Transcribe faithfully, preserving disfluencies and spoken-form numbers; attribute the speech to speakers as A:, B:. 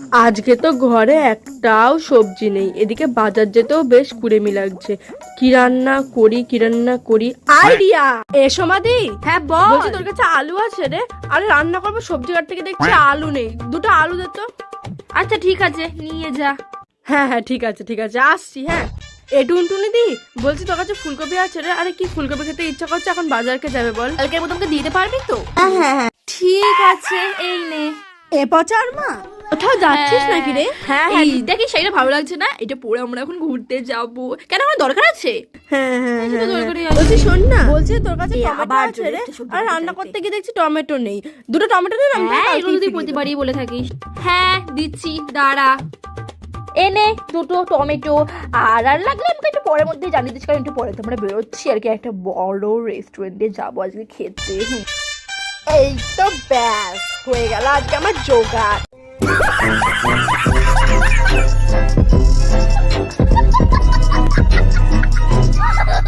A: আজকে তো ঘরে একটাও সবজি নেই, এদিকে বাজার যেতেও বেশ কুড়েমি লাগছে। কি রান্না করি কি রান্না করি আইডিয়া। এসো মাদি।
B: হ্যাঁ বল।
A: বলছি তোর কাছে আলু আছে রে? আরে রান্না করবো, সবজি কাট থেকে দেখছি আলু নেই, দুটো আলু দে তো।
B: আচ্ছা ঠিক আছে, নিয়ে যা।
A: হ্যাঁ হ্যাঁ ঠিক আছে ঠিক আছে, আসছি। হ্যাঁ এ টুনটুনি দি, বলছি তোর কাছে ফুলকপি আছে রে? আরে কি ফুলকপি খেতে ইচ্ছা করছে, এখন বাজারকে যাবে বল।
B: কালকের মতো আমাকে দিতে পারবি তো?
A: হ্যাঁ হ্যাঁ হ্যাঁ
B: ঠিক আছে, এই নে।
A: এ পচার মা, কোথাও যাচ্ছিস নাকি রে?
B: হ্যাঁ হ্যাঁ, দেখি শাড়িটা ভালো লাগছে না, এটা পরে আমরা এখন ঘুরতে যাবো। কেন, আমার দরকার আছে?
A: হ্যাঁ হ্যাঁ
B: সেটা
A: হ্যাঁ,
B: দরকারই
A: হ্যাঁ।
B: আছে।
A: বলছি শোন না, বলছি তোর কাছে
B: এ,
A: টমেটো
B: আবার
A: আছে
B: চলে
A: রে?
B: এসেছে সবজি
A: আর
B: বাজার
A: রান্না
B: চাইতে।
A: করতে গিয়ে দেখছি টমেটো নেই, দুটো টমেটো দে না, আমি তোকে
B: হ্যাঁ,
A: কালকেই
B: এগুলো তুই
A: ফিরিয়ে দেবো।
B: প্রতিবারই বলে থাকিস। হ্যাঁ দিচ্ছি, দাঁড়া। এনে দুটো টমেটো। আর আর লাগলে আমাকে একটু পরের মধ্যে জানিয়ে দিচ্ছি, কারণ একটু পরে তো আমরা বেরোচ্ছি আর কি, একটা বড় রেস্টুরেন্টে যাবো আজকে খেতে। হুম।
A: এই তো ব্যাস হয়ে গেল আজকে আমার জোগাড়।